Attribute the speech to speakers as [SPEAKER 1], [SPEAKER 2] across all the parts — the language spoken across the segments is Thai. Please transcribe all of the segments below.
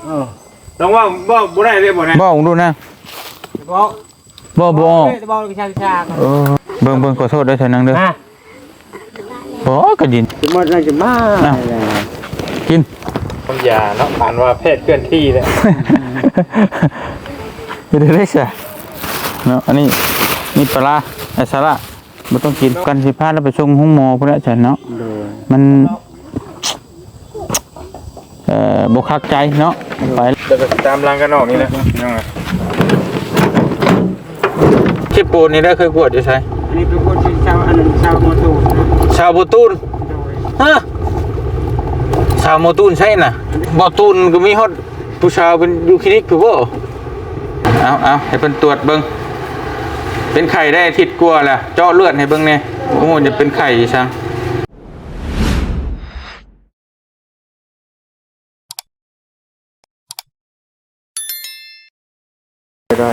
[SPEAKER 1] ลองว่าบ่ได้เลยบ่นะ
[SPEAKER 2] บ่ดูนะบ่เบิ่งขอโทษด้วยเถอะนังเด้อบ่ก็ยิน
[SPEAKER 1] จะมา
[SPEAKER 2] กิน
[SPEAKER 1] ผมยาเนาะผ่านว่าแพทย์เคลื่อนที่แล้ว
[SPEAKER 2] ได้ซะเนาะอันนี้นี่ปลาไอ้สาระบ่ต้องกินกันสิพาแล้วไปส่งห้องหมอพุ่นแหละฉันเนาะมันบ่คักใจเนาะไป
[SPEAKER 1] เดี๋ยวตามรังกันออกนี่นะยังไง
[SPEAKER 2] ที่ปูนนี่ได้เคยกวดอยู่ใช่
[SPEAKER 1] อันนี้เป็นคนชาวอันนั้นชาวโมตูน
[SPEAKER 2] ชาวโมตูนฮะชาวโมตูนใช่น่ะโมตูนก็มีฮอดผู้ชาวเป็นยูคลินิกคือบ่เอาให้เพิ่นตรวจเบิ่งเป็นไข่ได้อาทิตย์กว่าแล้วเจาะเลือดให้เบิ่งแน่โอ้โหจะเป็นไข่ซัง
[SPEAKER 1] ได้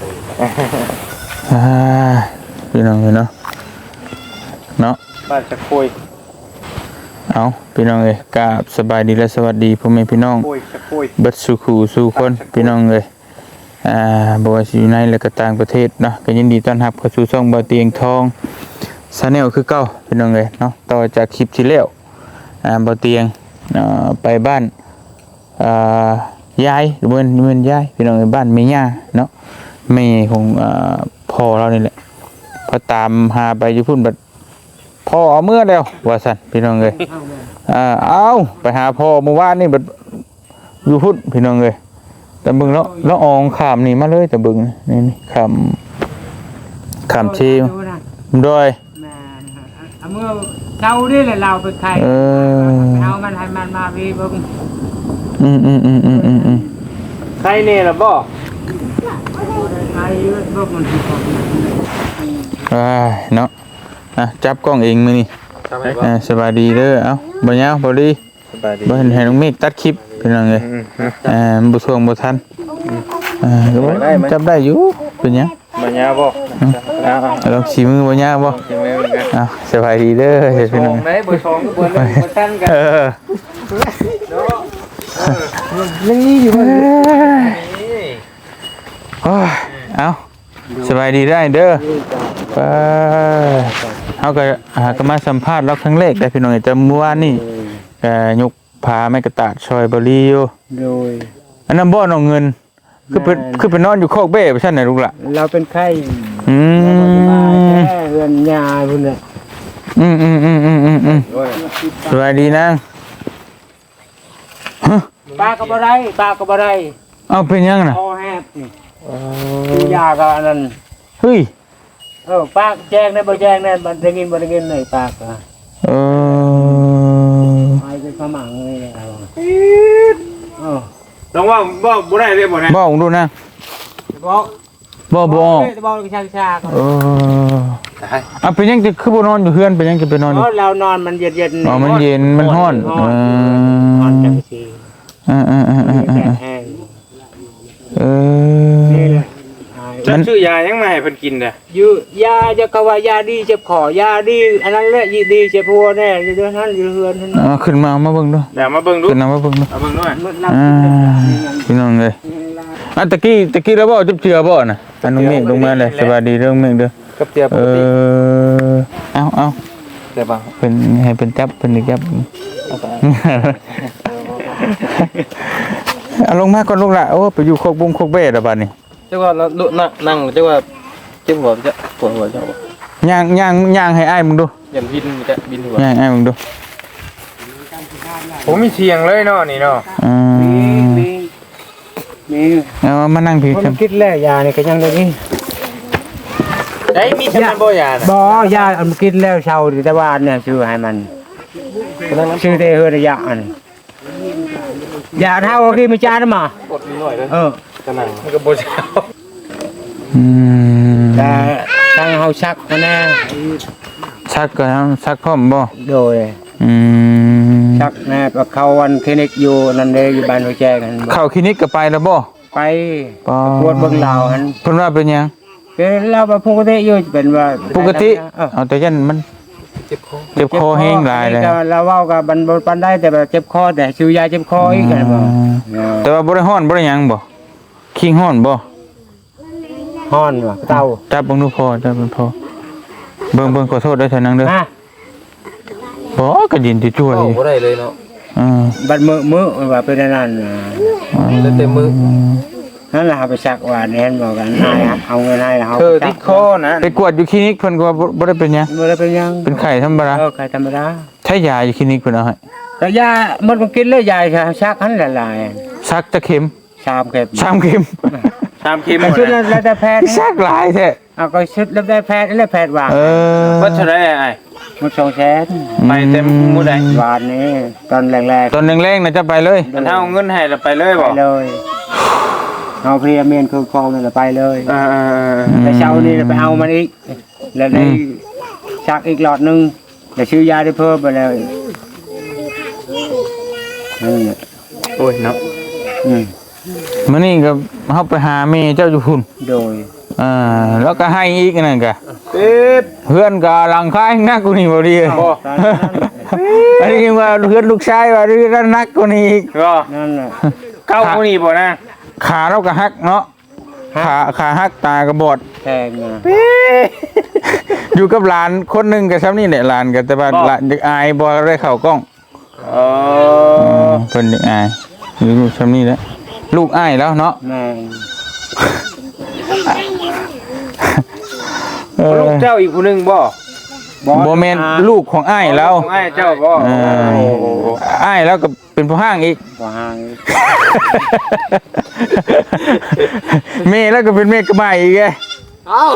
[SPEAKER 2] พี่น้องเนาะ
[SPEAKER 1] บ้านจะคุย
[SPEAKER 2] เอาพี่น้องเอ้ยกราบสบายดีและสวัสดีพ่อแม่พี่น้องเบิดสู่ขู่สู่คนพี่น้องเอ้ยบ่ว่าสิอยู่ในและก็ต่างประเทศเนาะก็ยินดีต้อนรับเข้าสู่ช่องบ่าวเตียงทองชาแนลคือเก่าพี่น้องเอ้ยเนาะต่อจากคลิปที่แล้วบ่าวเตียงไปบ้านยายหรือเมือนยายพี่น้องเอ้ยบ้านแม่ย่าเนาะแม่ของพ่อเรานี่แหละพอตามหาไปอยู่พุ่นบัดพ่อเอาเมื่อแล้วว่าซั่นพี่น้องเอ้ยเอาไปหาพ่อเมื่อวานนี่บัดอยู่พุ่นพี่น้องเอ้ยแต่บึงแล้วอองขามนี่มาเลยแต่บึงนี่ขามชีด้วย
[SPEAKER 1] เมื่อเรานี่แหละเราเป็นใครเอามันให้มันมาพี่บึงใครเนี่ยล่ะบ่ใครบึงมันสิ
[SPEAKER 2] เนาะจับกล้องเองมื้อนี้สบายดีเด้อเอ้าบ่ยาวบ่ดีบ่เห็นน้องเมฆตัดคลิปพี่น้องเอ้ยบ่ช่วงบ่ทันจับได้อยู่เป็นหยัง
[SPEAKER 1] บ่ยาวบ่
[SPEAKER 2] ลองสิมือบ่ยาวบ่สบายดีเด้อพี่น้อง
[SPEAKER 1] บ่ช่องก็บ่ทันกันยังนี่อยู่
[SPEAKER 2] เอาสบายดีได้เด้อเขาก็มาสัมภาษณ์เราครั้งแรกแต่พี่น้องจำเมื่อวานนี่ยกพาไม้กระตาดซอยบริโออันนั้นบ่อนเอาเงินคือไปนอนอยู่โคกเบ้ไปชั้นไหนลูกล่ะ
[SPEAKER 1] เราเป็นไข้แค่เรือนยาพุ่นเลย
[SPEAKER 2] สบายดีนาง
[SPEAKER 1] ปากกับอะไร
[SPEAKER 2] เอาเป็นยังน่ะ
[SPEAKER 1] คอแหบนี่ยากับอันนั้น
[SPEAKER 2] เฮ้ย
[SPEAKER 1] ปากแจ้งได้บ่แจ้งได้มันได้ยินเลยปากไอ้เป็นขมังเลยลองว่าบ่ได้เลยบ่นะ
[SPEAKER 2] บ่ดูนะบ่
[SPEAKER 1] ชา
[SPEAKER 2] เป็นยังจะคือบ่นอนอยู่เฮือนเป็นยังจะไปนอนอยู่
[SPEAKER 1] เรานอนมันเย็น
[SPEAKER 2] มันเย็นมันร้อน
[SPEAKER 1] จังซี่มันชื่อยายังไงเพิ่นกินน่ะยาจะกว่ายาดีเจ็บคอยาดีอันนั้นแหละดีเจ็บหัวแน่อยู่ด้วยนั้นอยู่เฮือนนั่น
[SPEAKER 2] ขึ้นมาเบิ่งดู
[SPEAKER 1] เดี๋ยวมาเบิ่งดู
[SPEAKER 2] ขึ้นมาเบิ่งดู
[SPEAKER 1] เอาเบิ่งด้วย
[SPEAKER 2] พี่น้องเอ้ยตะกี้แล้วบ่จุบเจือบ่น่ะอันน้องเมฆลงมาเลยสวัสดีเรื่องเมฆเด้อ
[SPEAKER 1] กับเจือปกติ
[SPEAKER 2] เอา
[SPEAKER 1] แต่บ่
[SPEAKER 2] เป็นให้เป็นจับเป็นจับเอาลงมาก่อนลูกล่ะโอ้ไปอยู่โคกบุ้งโคกเบ้แล้วบัดนี้
[SPEAKER 1] เจ้าว่านั่งเจ้าว่าเจ็บหัวจะปวดหัวเจ้า
[SPEAKER 2] ย่างให้อ้ายมึงดู
[SPEAKER 1] อย่าบินหัว
[SPEAKER 2] ย่างอ้ายมึงดู
[SPEAKER 1] ผมมีเสียงเลยเนาะนี่เนาะมี
[SPEAKER 2] มานั่งพี่
[SPEAKER 1] ผมคิดแล้วยานี่ก็ยังได้นี่ได้มีทำไมบ่ยาบ่ยาอันคิดแล้วเช่าแต่ว่าเนี่ยชื่อให้มันชื่อเตเฮระยะอันยาเท่าที่ไม่จ้านะมาปวดนิดหน่อยเลยกำลังมันก็บ่เช่าแต่ตั้งเฮาชักนะ
[SPEAKER 2] ชักก็ชักพร้อมบ่
[SPEAKER 1] โดยชักนะก็เข้าวันคลินิกอยู่นั่นเด้อยู่บ้านหัวแจกัน
[SPEAKER 2] เข้าคลินิกก็ไปแล้วบ่
[SPEAKER 1] ไปปวดเบิ่งลาวหั่น
[SPEAKER 2] เพิ่นว่าเป็นหยัง
[SPEAKER 1] เป็นเราปกติอยู่เป็นว่า
[SPEAKER 2] ปกติเอาแต่ยันมันเจ็บคอแห้งหลายเลย
[SPEAKER 1] เราเว้ากับบันบนปันได้แต่แบบเจ็บคอแต่ซื้อยาเจ็บคออีกกันบ่
[SPEAKER 2] แต่ว่าบ่ได้ฮ้อนบ่ได้หยังบ่คิงฮ้อนบ่
[SPEAKER 1] ฮ้อนว่ะเตา
[SPEAKER 2] จับเบิ่งดูพอจับเบิ่งพอเบิ่งขอโทษด้วยเถอะนางเด้อ
[SPEAKER 1] ฮะ
[SPEAKER 2] บ่ก็ยินสิช่วย
[SPEAKER 3] บ่ได้เลยเนาะ
[SPEAKER 1] บัดมื้อว่าเป็นนั่น
[SPEAKER 3] แล้วแต่มือ
[SPEAKER 1] นั่นล่ะไปซักว่าแน่นบอกกันให้เอาเงินให้เฮา
[SPEAKER 3] ติดคอนะ
[SPEAKER 2] ไปกวดอยู่คลินิกเพิ่นก็บ่ได้เป็นหยัง
[SPEAKER 1] บ่ได้เป็นหยัง
[SPEAKER 2] เป็นไข้ธรรมดา
[SPEAKER 1] ใครธรรมดา
[SPEAKER 2] ใช้ยาอยู่คลินิกเพิ่นเอาให้
[SPEAKER 1] ก็ยามันก็กินเลยยาซักหันหลาย
[SPEAKER 2] ซักจะเข็ม
[SPEAKER 1] ๆ3เข็ม
[SPEAKER 2] 3เข็ม
[SPEAKER 3] ตามเข็มหม
[SPEAKER 1] ก็
[SPEAKER 3] ด
[SPEAKER 1] ชุด
[SPEAKER 3] นะ
[SPEAKER 1] แล้วแต่แพทย์
[SPEAKER 2] ซักหลายแท้
[SPEAKER 1] เอาก็ชุดแล้วได้แพทย์แล้วแพทย์ว่า
[SPEAKER 3] ว่าเท่าไหร่ไอ้
[SPEAKER 1] มัน200,000
[SPEAKER 3] ไปเต็มมื้อใด
[SPEAKER 1] วานนี้ตอนแรก
[SPEAKER 2] ตอนแรงๆน่ะจะไปเลย
[SPEAKER 3] มันเอาเงินให้แล้วไปเลย
[SPEAKER 1] ๆไป
[SPEAKER 3] บ่
[SPEAKER 1] เลยเอาเพลียเมนคือคองนั่นแหละไปเลย
[SPEAKER 3] ๆ
[SPEAKER 1] แต่เช้านี้ไปเอามันอีกแล้วได้ซักอีกหลอดนึงแล้วซื้อยาได้เพิ่มไปแล้วนั่นแหละ
[SPEAKER 3] โอ้ยเนาะ
[SPEAKER 2] มื้อนี้ก็เฮาไปหาแม่เจ้าอยู่พุ่น
[SPEAKER 1] โดย
[SPEAKER 2] แล้วก็ให้อีกนั่นก็
[SPEAKER 3] ปิด
[SPEAKER 2] เพื่อนก็หลังคายนักกว่านี้บ่ดี
[SPEAKER 1] ตอนนั้น
[SPEAKER 2] อันนี้ว่าเพื่อนลูกชายว่าเรื่องนักกว่านี้อีก
[SPEAKER 3] ก็
[SPEAKER 1] นั่นแหละ
[SPEAKER 3] เข้ามื้อนี้บ่นะ
[SPEAKER 2] ขาเราก็หักเนาะขาหักตาก็บอด
[SPEAKER 1] แพงนะ
[SPEAKER 2] อยู่กับหลานคนหนึงก็ซ้ำนี่แหละหลานก็แต่ว่าหลานเด็กอายบ่ได้เข้ากล้อง เพิ่นเด็กอายอยู่ซ้ำนี่แหละลูกอายแล้วเนาะ
[SPEAKER 1] แม่ง
[SPEAKER 3] ลูกเจ้าอีกผู้หนึงบ่
[SPEAKER 2] บ่แม่นลูกของอายแล้ว
[SPEAKER 3] ของไอ้เจ้าบ่
[SPEAKER 2] อายแล้วก็เป็นผู้ห้างอีก
[SPEAKER 1] บ่ห่าง
[SPEAKER 2] เมย์แล้วก็เป็นเมย์กระบายอีกไง
[SPEAKER 3] เอ้า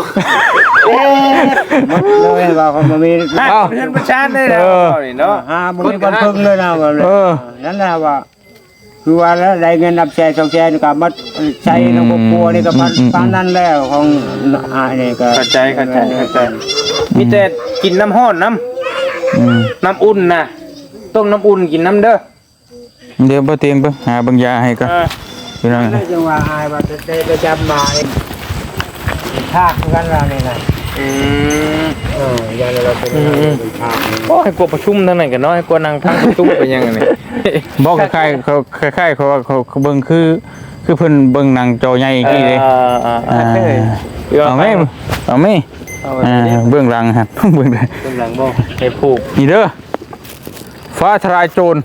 [SPEAKER 1] มันเลยว่าเขาบ่มี
[SPEAKER 3] นั่นเพื่อนประชานได้แล้วนี่เนาะ
[SPEAKER 1] บ่มีคนพึ่งเลยนะว่านั่นแหละว่าคือว่าแล้วได้เงินนับแสน2แสนก็มาใช้ในครอบครัวนี่ก็ปานนั้นแล้วของนี่ก็
[SPEAKER 3] เข้าใจมีแต่กินน้ำร้อนน้ำอุ่นน่ะต้มน้ำอุ่นกินน้ำเด้อ
[SPEAKER 2] เดี๋ยวบ่เตียงเบิ่งหาเบิ่งยาให้ก่อนพี่น้อง
[SPEAKER 1] นั่นจังว่าอายว่าจะจำมาภาคกันว่านี่น่ะยาเราเป็นภาค
[SPEAKER 3] โอ้ให้กลัวประชุมทั้งนั้นกันเนาะให้กลัวนั่งทางประชุมเป็นยังไงนี่
[SPEAKER 2] บอกคล้ายๆเขาว่าเขาเบิ่งคือเพิ่นเบิ่งหนังจอใหญ่อีกทีเด้เอาแม่เบื้องหลังฮะเบื้องหลัง
[SPEAKER 3] กำลังบ่ให้ผูก
[SPEAKER 2] นี่เด้อฟ้าทลายโจร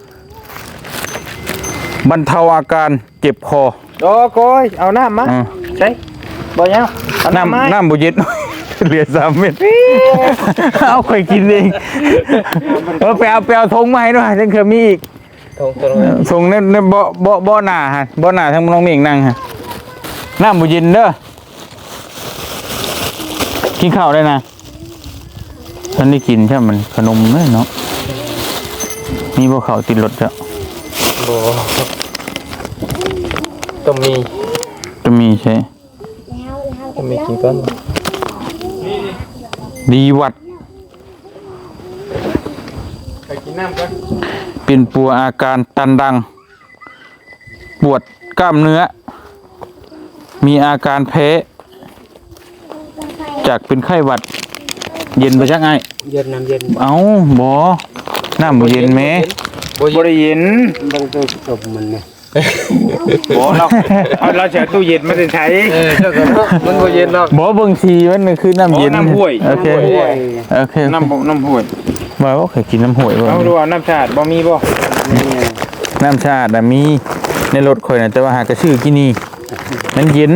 [SPEAKER 2] บรรเทาอาการเจ็บคอ
[SPEAKER 3] โอ้โกยเอาน้ำมาใช่บ่ยังเอาน้ำมา
[SPEAKER 2] น้ำบุเย็น เหลือ3 เม็ดเอาค่อยกินเองไปเอาธงมาให้ด้วยจังเคยมีอีก
[SPEAKER 3] ตรงนั้น
[SPEAKER 2] ธงในบ่อหน้าฮะบ่อหน้าทั้งน้องเมฆนั่งฮะน้ำบุเย็นเด้อกินข้าวได้นะฉันได้กินใช่มันขนมเลยเนาะมีบ่ข้าวติดรถจ้ะ
[SPEAKER 3] บ่ต้องมี
[SPEAKER 2] จะมีใช่
[SPEAKER 3] ต้องมีกินก่อน
[SPEAKER 2] ดีวัด
[SPEAKER 3] ไปกินน้ำก่อน
[SPEAKER 2] เป็นปัวอาการตันดัง ปวดกล้ามเนื้อ มีอาการแพ้จากเป็นไข้หวัด เย็นไปจักไง
[SPEAKER 1] เย็นน้ำเย็น
[SPEAKER 2] เอ้าบ่น้ำบ่เย็นแหม
[SPEAKER 3] บ่ได้เย็น
[SPEAKER 1] ต้องจบมันเนี่ย
[SPEAKER 3] บ่เราจะตู้เย็นมาใช้เจ้าก็มันบ่เย็นหรอก
[SPEAKER 2] บ่เบิ่งสีมันคือน้ำเย็น
[SPEAKER 3] น้ำห้วย
[SPEAKER 2] โอเคโอเค
[SPEAKER 3] น้ำห้วย
[SPEAKER 2] บ่ว่าเคยกินน้ำห้วยบ่
[SPEAKER 3] เอาดูว่าน้ำชาติบ่มีบ่
[SPEAKER 2] น้ำชาติน่ะมีในรถข่อยน่ะแต่ว่าหากระชื่อกินนี่มันเย็น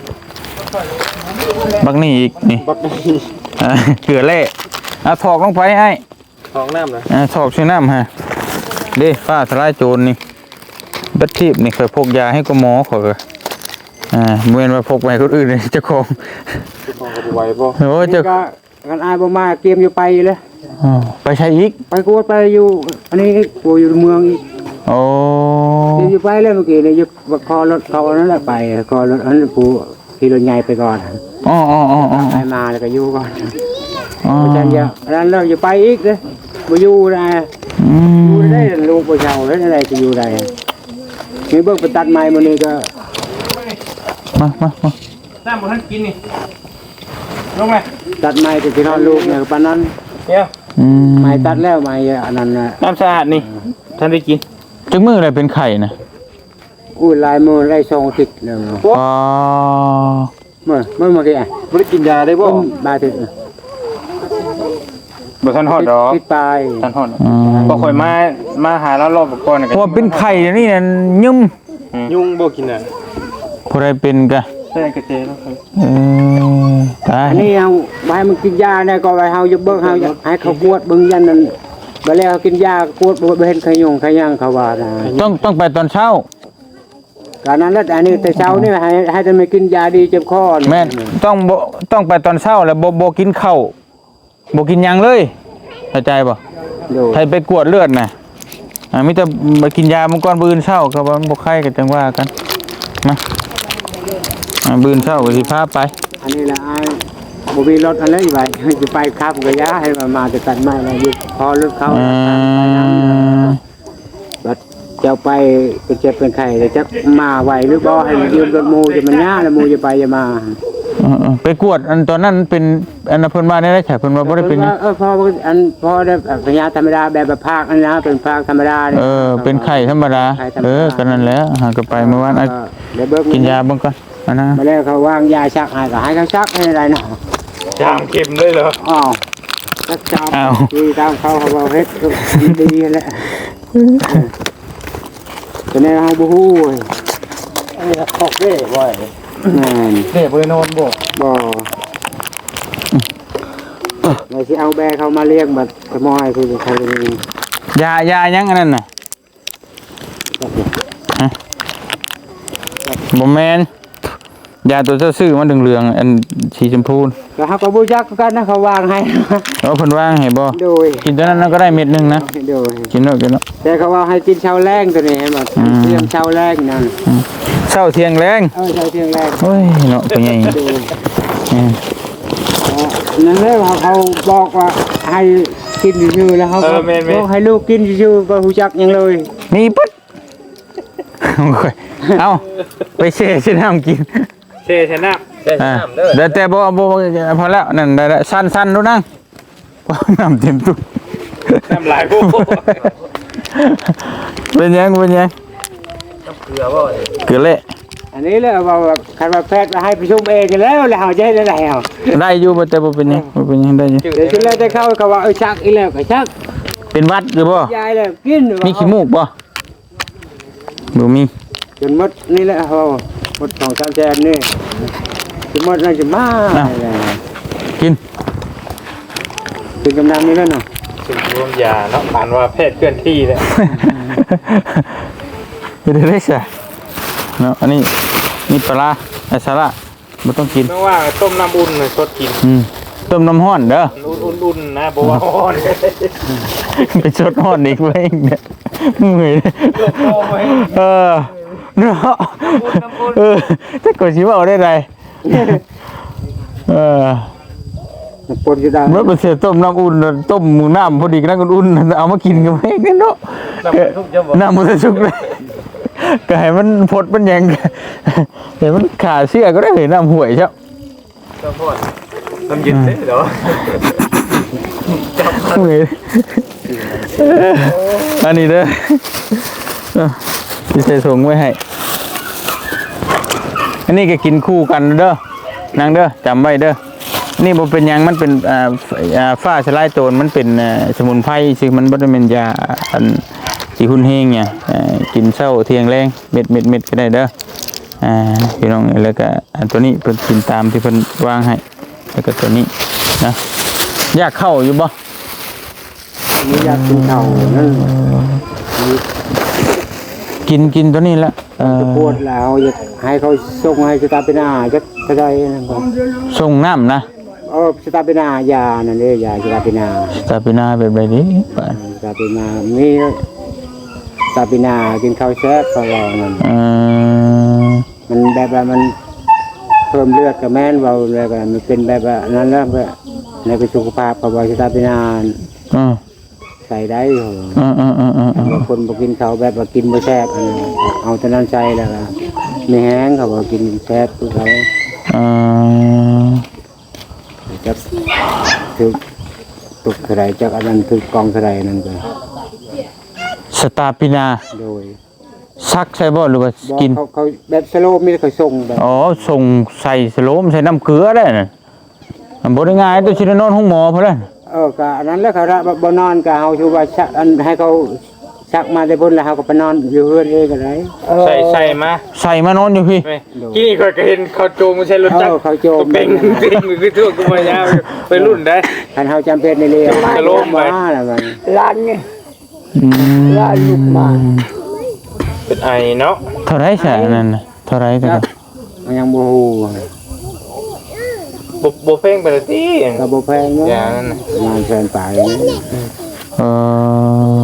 [SPEAKER 2] บักนี่อีกนี่เกลือแร่เอาถอกลงไปให้
[SPEAKER 3] ของน้ำเหรอ
[SPEAKER 2] ถอกช่วยน้ำฮะเด้ฟ้าทลายโจรนี่บัดทีบนี่เคยพกยาให้กับหมอขอยก็เมื่อว่าพกไปคนอื่นเลยเจ้าของ
[SPEAKER 3] ไหวบ่
[SPEAKER 2] โอ้เจ้า
[SPEAKER 1] ก็กันอายบ่มาเตรียมอยู่ไปเลย
[SPEAKER 2] ไปใช้อีก
[SPEAKER 1] ไปกวดไปอยู่อันนี้ปูอยู่เมืองอีก
[SPEAKER 2] โอ้
[SPEAKER 1] เตรียมอยู่ไปเลยเมื่อกี้เนี่ยอยู่คอรถเขานั่นแหละไปคอรถอันนั้นปูขี่รถใหญ่ไปก่อน
[SPEAKER 2] อ๋อ
[SPEAKER 1] ไปมาแล้วก็อยู่ก่อน
[SPEAKER 2] อ๋อ
[SPEAKER 1] อาจารย์เยอะอันนั้นเราอยู่ไปอีกเลยบ่อยู่นะอยู่ได้ลูกบ่เช่าแล้วอะไรจะอยู่ได้มีเบิ่งไปตัดไม้มื้อนี้ก็
[SPEAKER 2] มา
[SPEAKER 3] น้ำบ่ทันกินนี่ลงเลย
[SPEAKER 1] ตัดไม้ก็สินอนลูกเนี่ยปานนั้น
[SPEAKER 3] เดี๋ยว
[SPEAKER 1] ไม่ตัดแล้วไม่อันนั้นน่ะ
[SPEAKER 3] น้ำสะอาดนี่ท่านได้กิน
[SPEAKER 2] จังมืออะไรเป็นไข่นะ
[SPEAKER 1] อุ้ยลายมือไล่2 ติดแล้ว
[SPEAKER 2] อ๋อ
[SPEAKER 1] เมื่อกี้อ่ะ
[SPEAKER 3] บ่ได้กินยาได้บ่
[SPEAKER 1] บาดติด
[SPEAKER 3] บ่ทันฮอดดอก
[SPEAKER 1] ติดปลาย
[SPEAKER 3] ทันฮอด
[SPEAKER 2] อืม
[SPEAKER 3] บ่ค่อยมาหาแล้วรอบก่อนน่ะ
[SPEAKER 2] ว่าเป็นไข่เดี๋ยวนี่น่ะยุ่ม
[SPEAKER 3] ยุงบ่กินน่ะ
[SPEAKER 2] ผู้ใดเป็นกะ
[SPEAKER 3] ใช่กระเจแล้วครับ
[SPEAKER 2] เออตาย
[SPEAKER 1] อันนี้เอาไว้มันกินยาได้ก็ไว้เฮาจะเบิ่งเฮาให้เขากวดเบิ่งยันนั้นบ่แล้วกินยากวดบ่เห็นขยงขยังเขาว่านะ
[SPEAKER 2] ต้องไปตอนเช้า
[SPEAKER 1] การนั้นแล้วอันนี้แต่เช้านี่ให้ท่านไม่กินยาดีเจ็บคอ
[SPEAKER 2] แม่นต้องไปตอนเช้าแล้วบ่กินข้าวบ่กินหยังเลยเข้าใจบ่
[SPEAKER 1] โดย
[SPEAKER 2] ใครไปกวดเลือดน่ะมีแต่ไปกินยามังกรบืนเช้าก็ว่าบ่ไข้ก็จังว่ากันมาบืนเช้าก็สิพาไป
[SPEAKER 1] อันนี้ละอ้ายบ่มีรถอะไรไว้จะไปครับก็ยาให้มาจะตัดไม้แล้วอยู่พอรถเขา บัดเจ้าไปเป็นเจ็บเป็นไข้แต่จะมาไหวหรือบ่ให้ยืมรถมูจะมันยากแล้วมูจะไปจะมา
[SPEAKER 2] ไปกวดอันตอนนั้นเป็นอันเพิ่นว่าได้แค่เพิ่นว่าบ่ได้เป็นหยัง
[SPEAKER 1] พออันพอได้สัญญาธรรมดาแบบภาคอันนะเป็นภาคธรรมดา
[SPEAKER 2] เป็นไข้ธรรมดาก็นั่นแหละหาก็ไปเมื่อวานกินยาเบิ่งก่อนอันนะ
[SPEAKER 1] มาแล้วเขาวางยาชักให้ก็ให้เขาชักให้อะไรเนาะ
[SPEAKER 3] ยามเข็มเลยเหรอ
[SPEAKER 1] อ้าวชักจับดีตามเขาบอกเฮ็ดดีแหละแต่ในเฮาบ่ฮู้
[SPEAKER 3] อันนี้ออกเด้บ่อย
[SPEAKER 1] แม่น
[SPEAKER 3] เด้บ่ได้นอนบ่
[SPEAKER 1] บ่เราสิเอาแบเขามาเลี้ยงบัดขโมยคือใครเป็น
[SPEAKER 2] ยายังอันนั้นน่ะบ่แม่นยาตัวเจ้าซื้อมันเหลืองๆอันสีชมพู
[SPEAKER 1] ก็เขาก็บูจักกันนะเขาวางให้
[SPEAKER 2] เพิ่นวางให้บ่
[SPEAKER 1] โดย
[SPEAKER 2] กินตัวนั้นก็ได้เม็ดนึงนะ
[SPEAKER 1] โดย
[SPEAKER 2] กินเนาะ
[SPEAKER 1] แต่เขาว่าให้กินเช้าแรงตัวนี้ให้มาเตรียมเช้าแรงนั่น
[SPEAKER 2] เช้าเที่ยงแรง
[SPEAKER 1] เช้าเที่ยงแรง
[SPEAKER 2] โอ้ยเนาะตัวใหญ่
[SPEAKER 1] โดยนั่นเลยเขาบอกว่าให้กินอยู่แล้วเขาบอกให้ลูกกินอยู่บ่ฮู้จักหยังเลย
[SPEAKER 2] นี่ปึ๊ดเอาไปเช่น้ำกิน
[SPEAKER 3] เช่ชนะเช่น้ำเด้อ
[SPEAKER 2] เดี๋ยวแต่บ่พอแล้วนั่นได้สั้นๆดูนั่งน้ำเต็มตู้
[SPEAKER 3] น้ำลายโบ้
[SPEAKER 2] เป็นยัง
[SPEAKER 3] เกลือบ่
[SPEAKER 2] เกลือเละ
[SPEAKER 1] อันนี้เลยว่าคันว่าแพทย์ให้ประชุมเองแล้วแล้วเขาจะให้ได้แล้ว
[SPEAKER 2] ได้อยู่แต่บ่เป็นยังได้อยู่
[SPEAKER 1] เดี๋ยวชุดแรกได้เข้าเขาว่าชักอีแล้วก็ชัก
[SPEAKER 2] เป็นวัดหรือบ่
[SPEAKER 1] ยายแล้วกิน
[SPEAKER 2] มีขี้มูกบ่บ่มี
[SPEAKER 1] จนหมดนี่แหละเฮาหมด2-3แสนนี่จนหมดน่าจะมา
[SPEAKER 2] กิน
[SPEAKER 1] ถึงกำลังนี้แล้วเนาะ
[SPEAKER 3] ถึงรวมยาเนาะผ่านว่าแพทย์เคลื่อนที่แล้ว
[SPEAKER 2] เดี๋ยวได้ซะเนาะอันนี้นี่ปลาไอ้สาระบ่ต้องกิน
[SPEAKER 3] ไม่ว่าต้มน้ำอุ่นสดกิน
[SPEAKER 2] ต้มน้ำร้อนเด้อ
[SPEAKER 3] อุ่นๆนะบ่ว่าร้อน
[SPEAKER 2] ไปชดร้อนอีกเว้ยเนี่ยเมื่อยเนาะถ้าก็สิว่าได้ไร
[SPEAKER 1] ปนอยู่ได้
[SPEAKER 2] เมื่อเป็นเสียต้มน้ำอุ่นต้มหมูน้ำพอดีกันอุ่นเอามากินกันไหมกันเนาะน้ำมันจะชุกเลยก็ให้มันพดมันยังเดี๋ยวมันขาเสื้อก็ได้เห็นน้ำห่วยใช่
[SPEAKER 3] น้ำเย็นเด้อเดี๋ยว
[SPEAKER 2] เหนื่อยอันนี้เด้อที่ใส่ถุงไว้ให้อันนี้ก็กินคู่กันเด้อนางเด้อจำไว้เด้อนี่บ่เป็นหยังมันเป็นฟ้าสลายโจรมันเป็นสมุนไพรซึ่งมันบ่ได้เป็นยาอันสิหุ่นเฮงเนี่ยกินเช้าเที่ยงแรงเม็ดก็ได้เด้อพี่น้องแล้วก็อันตัวนี้เพิ่นกินตามที่เพิ่นวางให้แล้วก็ตัวนี้นะอยากเข้าอยู่บ่
[SPEAKER 1] มียากินเข่านั่น
[SPEAKER 2] กินตัวนี้ละ
[SPEAKER 1] จะปวดแล้วอยากให้เขาส่งให้สตาร์เปนาจะก็ได้นะครับ
[SPEAKER 2] ส่งน้ำนะ
[SPEAKER 1] สตาร์เปนายานั่นเด้ยาสตาร์เปนา
[SPEAKER 2] ตาปีนาแบบไรนี้
[SPEAKER 1] สตาร์เปนามีสตาร์เปนากินข้าวแซ่บเขาเรานั่นมันแบบว่ามันเพิ่มเลือดกับแม่นเบาเลยก็มันเป็นแบบว่านั้นแล้วก็ในกระสุขภาพเขาบอกสตาร์เปนาใส่ได้เหรอบางคนบอกกินเขาแบบว่ากินไม่แซ่บเอาแต่นั้นใส่แล้วก็ไม่แห้งเขาบอกกินแซ่บคือเขาจะถือตุกเท่าไรจากอันนั้นคือกองเท่าไรนั่นก็
[SPEAKER 2] สตาร์ปินา
[SPEAKER 1] โดย
[SPEAKER 2] ซักใช่บ่หรือว่า
[SPEAKER 1] บอก
[SPEAKER 2] กิน
[SPEAKER 1] เขาแบบสโลปมีแต่เขาส่งแบบ
[SPEAKER 2] อ๋อส่งใส่สโลมใส่น้ำเกลือได้น่ะมันบ่ได้ง่ายตัวชินอนห้องหมอพุ่นแหละ
[SPEAKER 1] ก็อันนั้นแล้วเขาละบ่นอนก็เฮาชูว่าชักอันให้เขาชักมาได้พุ่นแล้วเฮาก็ไปนอนอยู่เฮือนเองก็ได้
[SPEAKER 3] ใส่มา
[SPEAKER 2] ใส่มานอนอยู่พี่
[SPEAKER 3] ที่นี่ก็เห็นเขาโจมไม่ใช่รถจักร
[SPEAKER 1] เขาโจม
[SPEAKER 3] เป็นจริงคือทั่วกูมายาวไปรุ่นได้
[SPEAKER 1] คันเฮาจำเป็นในเรื่อง
[SPEAKER 3] จะล้มไป
[SPEAKER 1] มาแล้วมัน
[SPEAKER 4] ร้านไงร้านลูกมา
[SPEAKER 3] เป็นไอเนาะ
[SPEAKER 2] เท่าไรใช่นั่นน่ะเท่าไรแต่ก็
[SPEAKER 1] มันยังบ่ฮู้
[SPEAKER 3] บ่เพ่งไปเลยที่
[SPEAKER 1] ก็บ่แพงเนาะ
[SPEAKER 3] อย่างนั้น
[SPEAKER 1] ประมาณแสนปลาย
[SPEAKER 2] เออ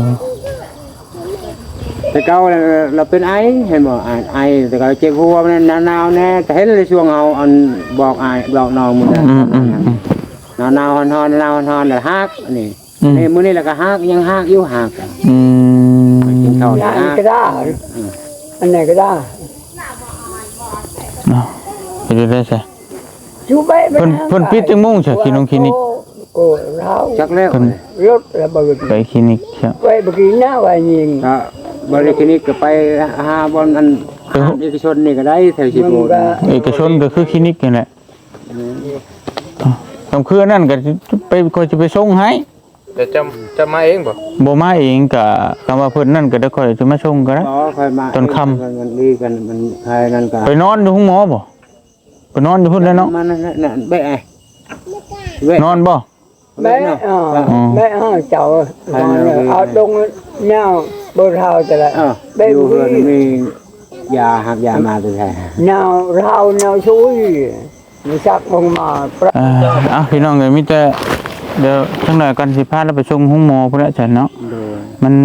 [SPEAKER 1] แต่เก่าเราเป็นไอเห็นบ่ไอแต่ก็เจ็บหัวมันหนาวๆแน่แต่เห็นในช่วงเฮาอันบอกไอบอกน้องมื้อนั้นหนาวๆฮ้อนๆหนาวๆฮ้อนๆแล้วฮักอันนี้นี่มื้อนี้แล้วก็ฮักยังฮักอยู่ฮัก กินข้าว
[SPEAKER 4] ร้านก็ได้อันไหนก็ได้
[SPEAKER 2] ไปดูได้ใช่
[SPEAKER 4] ชูไป
[SPEAKER 2] เพิ่นปิดจังมุ่งใช่คลินิก
[SPEAKER 4] โอ้เรา
[SPEAKER 1] จักแล้ว
[SPEAKER 4] รถระเบิด
[SPEAKER 2] ไปคลินิกใช่
[SPEAKER 4] ไปเมื่อกี้หน้าวันยิง
[SPEAKER 1] ก็บริคลินิกก็ไปหาบอนอันเอกชนนี่ก็ได้แถวชิโบ
[SPEAKER 2] เอกชนก็คือคลินิกนี่แหละต้องคือนั่นก็ไปก็จะไปส่งให้
[SPEAKER 3] เดี๋ยวจะมาเองบ่
[SPEAKER 2] บ่มาเองก็คำว่าเพิ่นนั่นก็ได้ค่อยจะมาส่งก็ได้
[SPEAKER 1] อ๋อค่อยมามันดีกันมันใครนั่นก็
[SPEAKER 2] ไปนอนอยู่ห้องหมอบ่ไปนอนอยู่พุ่นแล้วเนาะ
[SPEAKER 1] มันนั่นเบ้ไอ้เบ้
[SPEAKER 2] นอนบ่
[SPEAKER 4] แม่แม่เจ้าเอาตรงเน่าบนเท้าจะละ
[SPEAKER 1] ดูเพื่อนมียาหักยามาตัวแทน
[SPEAKER 4] เน่าเท้าเน่าชุยมีชักมงมา
[SPEAKER 2] พี่น้องเอ้ยมีแต่เดี๋ยวจังหน่อยกันสิพาเราไปส่งห้องหมอพุ่นแล้วจ้ะเนาะมัน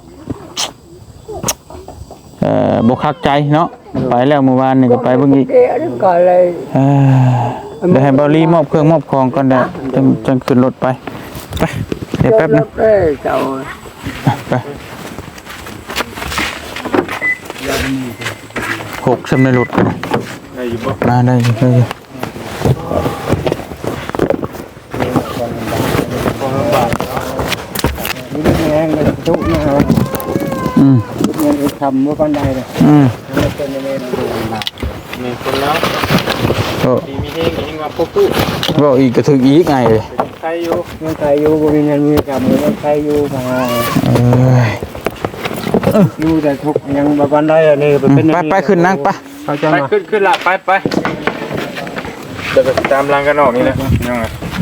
[SPEAKER 2] บ่คักใจเนาะไปแล้วเมื่อวานนี่ก็ไปเบิ่งอีก
[SPEAKER 4] ก็เลย
[SPEAKER 2] เดี๋ยวให้บอลลี่มอบเครื่องมอบของก่อนได้จังขึ้นรถไปไปเดี๋ยวแป๊บนึง
[SPEAKER 4] เจ้า
[SPEAKER 2] ไปหกสำในรถกันมาได้อยู่ได้อยู่
[SPEAKER 1] นี่แห้งเลยทุกเนี่ยครับเงินทำเมื่อก่อนได้เลยเป็นในเมนูมา
[SPEAKER 3] นี่คนแล้ว
[SPEAKER 2] ก็
[SPEAKER 3] มีเฮงเฮงว่าพวกผู้
[SPEAKER 2] บอกอีกกระถึกอีกไงเลย
[SPEAKER 3] ใครอยู่
[SPEAKER 1] เงินใครอยู่ก็มีเงินมีกรรมเงินใครอยู่มาอยู่แต่ทุกยังบางได้นี่เป็น
[SPEAKER 2] ไปขึ้นนั่งไป
[SPEAKER 1] เขาจะ
[SPEAKER 3] ไป
[SPEAKER 1] มา
[SPEAKER 3] ขึ้นละไปเดี๋ยวตามรังกันออกนี่แหละยังไง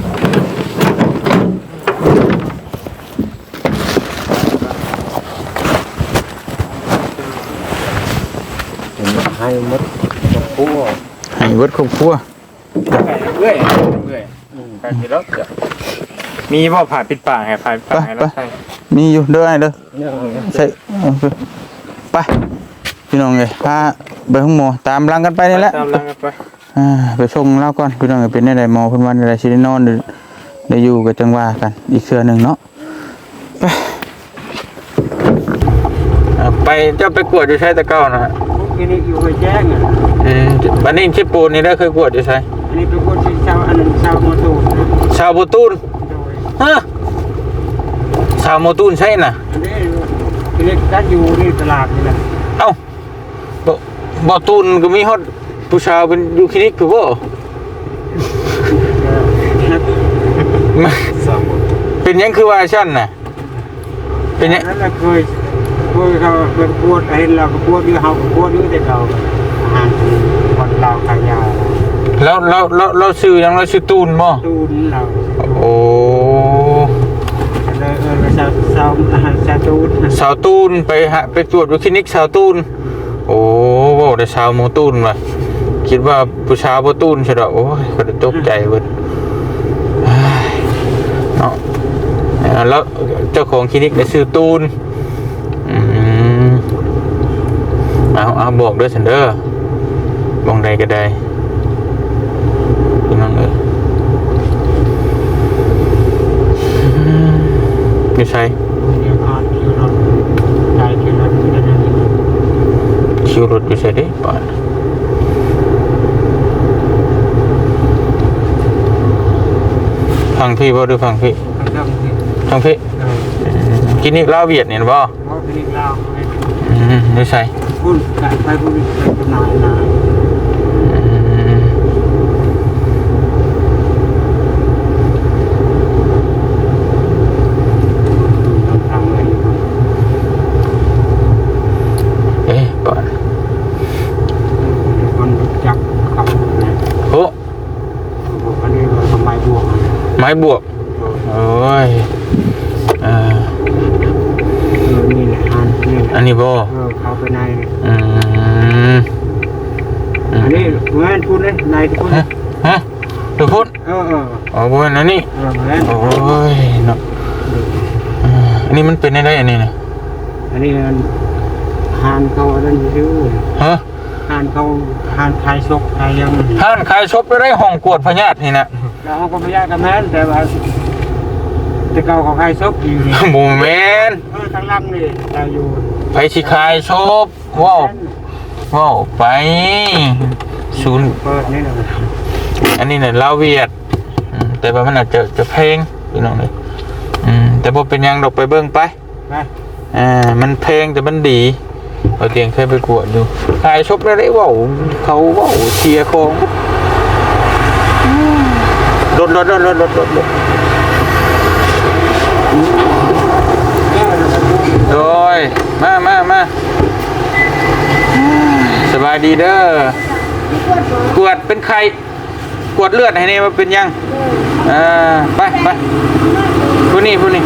[SPEAKER 1] ให้มดคู่
[SPEAKER 2] ให้เวิร์ดครอบครัว
[SPEAKER 3] เรื่อยไปทีรถมีบ่ผ่าปิดปากให้ผ่าปิดปากให้แล้วใช่
[SPEAKER 2] มีอยู่เด้อไอ้เด้อใช่ไปพี่น้องเลยพาไปห้องหมอตามรังกันไปนี่แหละ
[SPEAKER 3] ตามรังกันไป
[SPEAKER 2] ไปส่งเล่าก่อนพี่น้องเป็นได้หมอเพิ่นวันได้สิได้นอนได้อยู่กับจังหวะกันอีกเทื่อนึงเนาะไปเจ้าไปกวดอยู่ใช้ตะเก้านะฮะ
[SPEAKER 1] ที่นี่อยู่ไปแจ้งอ่ะ
[SPEAKER 2] บันนี้ชิปูนนี่ได้เคยกวดอยู่ใช้
[SPEAKER 1] อันนี้เป็นคนชาวอันนั้นชาวโมตู
[SPEAKER 2] ชาวโมตูนฮะชาวโมตูนใช่น่ะ
[SPEAKER 1] อันนี้ที่นี่ก็อยู่ที่ตลาดนี่แหละ
[SPEAKER 2] เอ้าบ่ตูนก็มีฮอดผู้ชาวเป็นอยู่คลินิกคือบ่เป็นยังคือว่าชั้นน่ะเป็นยัง
[SPEAKER 1] นั่นแหละเคยเขาเป็นปวดเห็นเราก็ปวดอยู่เฮาก็ปวดอยู่แต่เราอาหารคนเราขายยา
[SPEAKER 2] แล้วชื่อยังเราชื่อตูนบ่
[SPEAKER 1] ตูนเรา
[SPEAKER 2] โอ้
[SPEAKER 1] เลยชาวตูน
[SPEAKER 2] สาวตูนไปตรวจอยู่คลินิกสาวตูนโอ้บ่ได้สาวโมตูนว่ะคิดว่าผู้ชายบ่ตูนใช่ดอกโอ้ยก็ตกใจเบิดเนาะแล้วเจ้าของคลินิกได้ชื่อตูนเอาบอกด้วยฉันเด้อบอกใดก็ได้พี่น้องเอ้ยไม่ใช่คิวรถอยู่ใช่ดิป่ะฟังพี่บ่หรือฟังพี่น้องพี่กินนี่ลาวเวียดเนี่ยบ่
[SPEAKER 1] เขาคลินิกเรา
[SPEAKER 2] ไม่ใช่
[SPEAKER 1] พูดไปพูดไปจำหน่ายนะทำเลย
[SPEAKER 2] เอ๊ะก่อน
[SPEAKER 1] คนจักเขาเนี่ย
[SPEAKER 2] โอ้
[SPEAKER 1] ผมอันนี้เราทำไมบวก
[SPEAKER 2] ไม้บวกโอ้ย
[SPEAKER 1] นี่แหละ
[SPEAKER 2] อันนี้บ่
[SPEAKER 1] เขาไปใน
[SPEAKER 2] อืม
[SPEAKER 1] อันนี้เหมือนพูดเลยในทุกคน
[SPEAKER 2] ฮะทุกคนอ๋อบ่อันนี้
[SPEAKER 1] เหมือน
[SPEAKER 2] โอ้ยเนาะอันนี้มันเป็นได้อันนี้นะ
[SPEAKER 1] อันนี้หานเขาอันนั้นอยู่
[SPEAKER 2] ฮะ
[SPEAKER 1] หานเขาหานคายซกคายยัง
[SPEAKER 2] ท่านขายชบไปได้ห้องกวดพญาตินี่นะ
[SPEAKER 1] แล้วเขาก็ไม่ยากกันแม่นแต่ว่าแต่เก่าเขาคายซกอยู่นี่
[SPEAKER 2] หมู่แมน
[SPEAKER 1] ทางล่างนี่เราอยู่
[SPEAKER 2] ไปสิขายชบว้าวไปศูนย์
[SPEAKER 1] เปิดนี่นะ
[SPEAKER 2] อันนี้เนี่ยลาวเวียดแต่ว่ามันอาจจะแพงพี่น้องเลยแต่บ่เป็นหยังดอกไปเบิ่งไป
[SPEAKER 1] ไป
[SPEAKER 2] มันแพงแต่มันดีเอาเตียงเคยไปกวดดูขายชบได้ว้าวเขาว้าวเชียร์ของรถโดยมาสบายดีเด้อกวดเป็นใครกวดเลือดให้เนี่ยมันเป็นยังไปผู้นี้ไป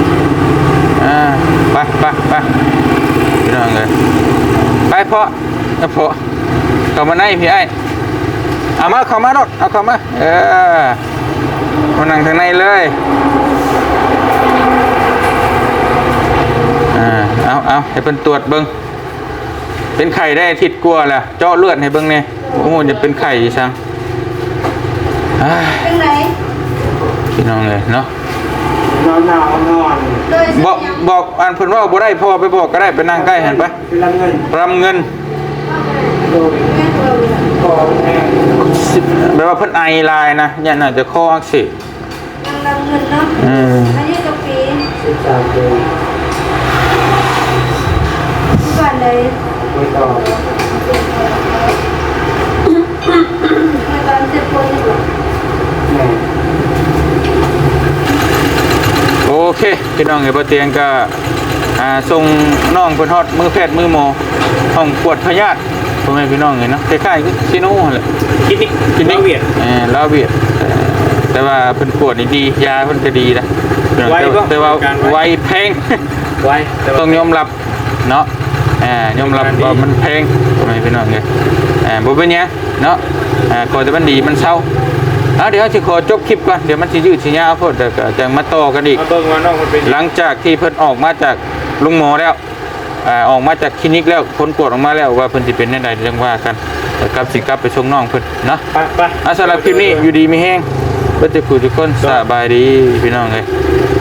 [SPEAKER 2] พี่น้องเลยไปเพาะเข้ามาในพี่ไอ้เอามาเข้ามารถเอาเข้ามามานั่งทางในเลยเอาให้เป็นตรวจเบิ้งเป็นไข่ได้อาทิศกลัวแหละเจาะเลือดให้เบิ้งเนี่ยโอ้โหจะเป็นไข่ช่าง
[SPEAKER 5] เป็นไร
[SPEAKER 2] พี่น้องเลยเนาะ
[SPEAKER 1] นอน
[SPEAKER 5] โดย
[SPEAKER 2] บอกอันเพิ่นว่าบ่ได้พ่อไปบอกก็ได้ไปนั่งใกล้หันไป
[SPEAKER 1] เป็นเงิน
[SPEAKER 2] รำเงิน
[SPEAKER 1] โดยขอแม่
[SPEAKER 2] แปลว่าเพิ่นไอลายนะเนี่ยน่าจะคออักเสบ
[SPEAKER 5] นำเงินเนาะอันนี้กะปิ
[SPEAKER 1] 13ปี
[SPEAKER 5] ก่อนเลย
[SPEAKER 1] ไปต่อ
[SPEAKER 5] มาตอนเจ็บปวดอยู่
[SPEAKER 1] แม่
[SPEAKER 2] โอเคพี่น้องเอ๋บ่เตียงก็ส่งน้องเพิ่นฮอดมือแพทย์มือหมอห้องปวดพยาธิพ่อแม่พี่น้องเห็นเนาะคล้ายๆคือซิโน่แหละคลินิกเวียดลาวเวียดแต่ว่าเพิ่นปวดนี่ดียาเพิ่นก็ดีนะแต่ว่าไวแพง
[SPEAKER 3] ไว้
[SPEAKER 2] ต้องยอมรับเนาะยอมรับว่ามันแพงทำไมพี่น้องเนี่ยบ่เป็นหยังเนาะก่อนจะมันดีมันเศร้าเดี๋ยวสิขอจบคลิปก่อนเดี๋ยวมันสิยืดสิยาวโพดเดี๋ยวก็จะมาต่อกันอีก
[SPEAKER 3] มาเบิ่งว่าน้องมันเป็น
[SPEAKER 2] หลังจากที่เพิ่นออกมาจากลุงหมอแล้วออกมาจากคลินิกแล้วผลตรวจออกมาแล้วว่าเพิ่นสิเป็นจังไดจังว่ากันกับสิกลับไปส่งน้องเพิ่นเนาะ
[SPEAKER 3] ไป
[SPEAKER 2] สำหรับคลิปนี้อยู่ดีมีแฮงเบิดทุกคนสบายดีพี่น้องเอ้ย